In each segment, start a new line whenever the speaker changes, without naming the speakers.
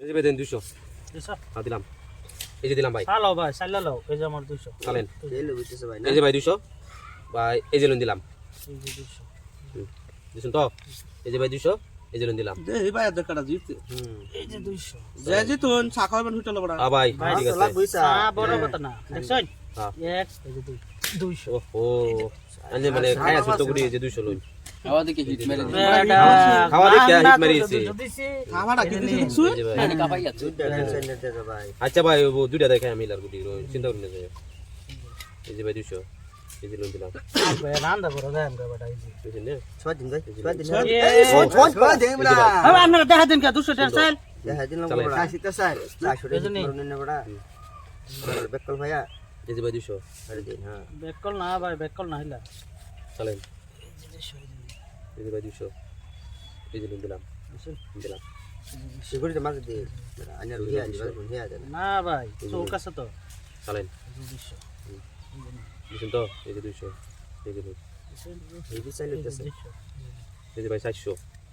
এই যে ভাই দেন 200
200
হ্যাঁ দিলাম এই যে দিলাম ভাই
চালাও ভাই চালা লাও এই যে আমার 200
চালেন
তেল বুঝতেছে ভাই না
এই যে ভাই 200 ভাই এই যে লোন দিলাম
এই যে 200
দিছেন তো এই যে ভাই 200 এই যে লোন দিলাম
দে এই ভাই আদর কাটা জিতে
এই যে 200
যে জিতুন ছাকাবেন হোটেল বড়
ভাই
ভাই
ঠিক আছে
বুঝছা
বড় কথা না দেখছেন
হ্যাঁ
এক এই যে 200
ওহো আনে মানে খায়া ছোট গুড়ি এই যে 200 লোন
খাওয়া দেখে হিট মেরে দিছে
খাওয়া দেখে হিট মারিছে
খাওয়াটা কি দিছে দেখছু
এই যে ভাই
পানি কাপাই যাচ্ছে
দুইটা টেনশন নিতে যা ভাই
আচ্ছা ভাই ও দুইটা দেখাই আমি লার গুটি চিন্তা করি না যায় এই যে ভাই 200 এই যে লোন দিলাম
ভাই রান্দা করে দেন রে বেটা এই যে
বুঝছেন না
ছয় দিন ভাই ছয় দিন
এই
ছয় দিন বড়া
হবে আপনারা দেখা দিন কা 200 টাকা চাল
দেখা দিন বড়া কাশিতে স্যার 400 টাকা মরুন না বড়া বেকল ভাইয়া
এই যে ভাই 200
আরে দিন হ্যাঁ
বেকল না ভাই বেকল না হইলা
চালেন এই যে ভাই 200 এই যে লোন দিলাম দিলাম
সিকিউরিটি মাঝে দে আনার রুহিয়া দিবা রুহিয়া দেন
না ভাই চৌক আছে তো
চালেন
200
বুঝছেন তো এই যে 200 এই যে লোন
এই যে চাইলে দিতেছে
এই যে ভাই 400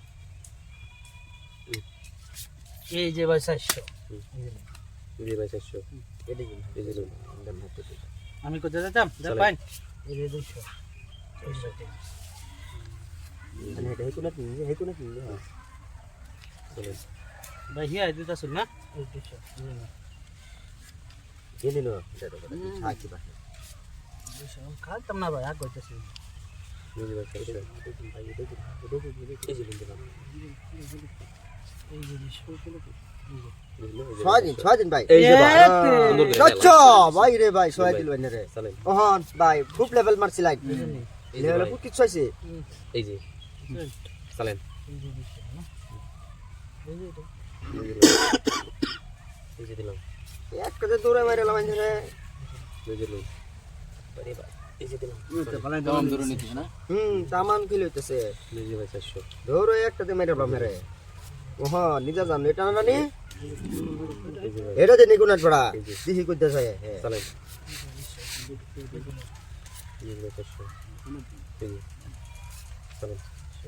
এই যে ভাই 400
এই যে ভাই 400
এটা দিন
এই যে লোন
দাম হাতে দিন
আমি কোথায় যেতাম দেখ
চলেন।
ভাই এই যে 200
মানে এটা হেকুনা দিন হেকুনা দিন
চালেন
ভাই হিয়া দিতাছ না এই 200
গেলি না এটা তো থাকি বাকি
200 খাইতাম না ভাই আগ কইতাছি
এই যে ভাই 400
ভাই এটা কি
এই যে লোন দিলাম
এই যে 200
ছয় দিন ভাই
এই যে ভাই সুন্দর করে
আচ্ছা ভাই রে ভাই ছয় দিন ভাই রে
চালেন
ওহন ভাই খুব লেভেল মারছি লাইক
এই যে
লেভেল
ভাই,
খুব কিছু আছে
এই যে চালেন
এই যে 200 না এই যে
এই যে দিলাম
একটা যে দৌড়ে মারে লামাই ধরে
এই যে লোন আরে ভাই এই যে দিলাম
দম ধরে নিতিস না
তামান ফিল হইতেছে
এই যে ভাই 400
দৌড়ে একটাতে মেরে মেরে ওহন নিজা জান এটা না নি
এই যে ভাই
এটা যে নিগুনাট পড়া দিহি কইতেছে হ্যাঁ
চালেন এই যে ভাই 400 এই যে চালেন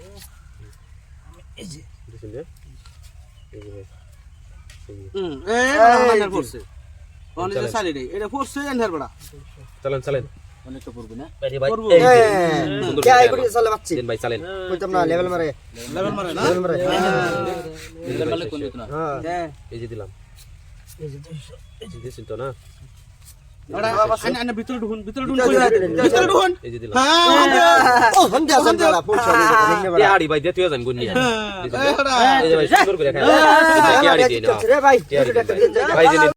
এই যে
বুঝছেন যে এই যে ভাই এই যে
এ করছে কোন যে সালি রে এটা করছে এন্ধার বড়
চালেন চালেন
অনেকটা পড়বে না
আরে ভাই
করবো।
এই যে সুন্দর
কে
করে
আই করি চলে বাচ্চি
দেন ভাই চালেন
কইতাম না লেভেল মারে
লেভেল মারে না
লেভেল মারে
দিলে পারলে কোন দিত না
হ্যাঁ
এই যে দিলাম
এই যে 200
এই যে দিছেন তো না
ওরা আনে ভিতরে ঢুকুন ভিতরে ঢুকুন
এই যে দিলাম
হ্যাঁ
ও হন যা জান বড়া পৌঁছে লিখনে
এ
বড়া
আড়ি ভাই দিয়ে যান গুন্নি
হ্যাঁ
এই যে ভাই সুন্দর করে খায় এই যে কি আড়ি দিয়ে না
রে ভাই
কি আড়ি দিয়ে ভাই যে